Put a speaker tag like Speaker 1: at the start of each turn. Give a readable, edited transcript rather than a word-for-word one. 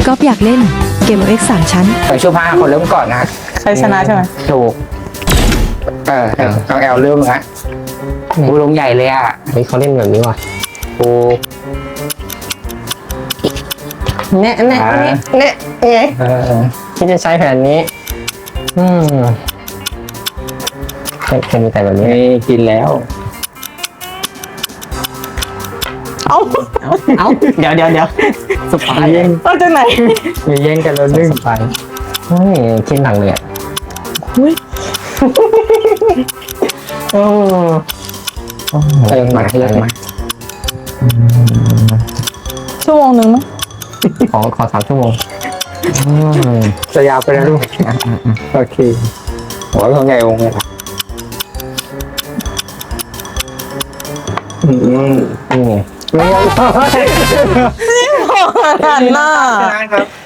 Speaker 1: ก๊อฟอยากเล่นเกม X 3 ชั้น
Speaker 2: ไปช่วยพาคนเริ่มก่อนนะ
Speaker 3: ใครชนะใช่ไหม
Speaker 2: ถูกน้องแอลเริ่มฮะกูลงใหญ่เลยอ่ะ
Speaker 4: เฮ้ยเขาเล่นแบบนี้ว่ะ
Speaker 2: กู
Speaker 3: เนี่ยไง
Speaker 4: ที่จะใช้แผนนี้ เป็นแต่แบบนี้
Speaker 2: นี่กินแล้ว
Speaker 3: เอ้า
Speaker 4: เดี๋ยวสปาย
Speaker 3: เอาจากไหน
Speaker 2: มีแย่งกันแล้วนึ่ง
Speaker 4: สปายเฮ้ยคิดหนังเลยอ่ะ
Speaker 3: อุ้ย
Speaker 4: โอ้
Speaker 2: เติมมาเติมมา
Speaker 3: ชั่วโมงหนึ่งมั้ง
Speaker 4: ขอ3 ชั่วโมง
Speaker 2: จะยาวไปแล้วลูกโอเคโอ้ยของใหญ่องค์เลย
Speaker 4: นี่ไง
Speaker 2: ไม่เอา
Speaker 3: หันหน้า
Speaker 2: ครับ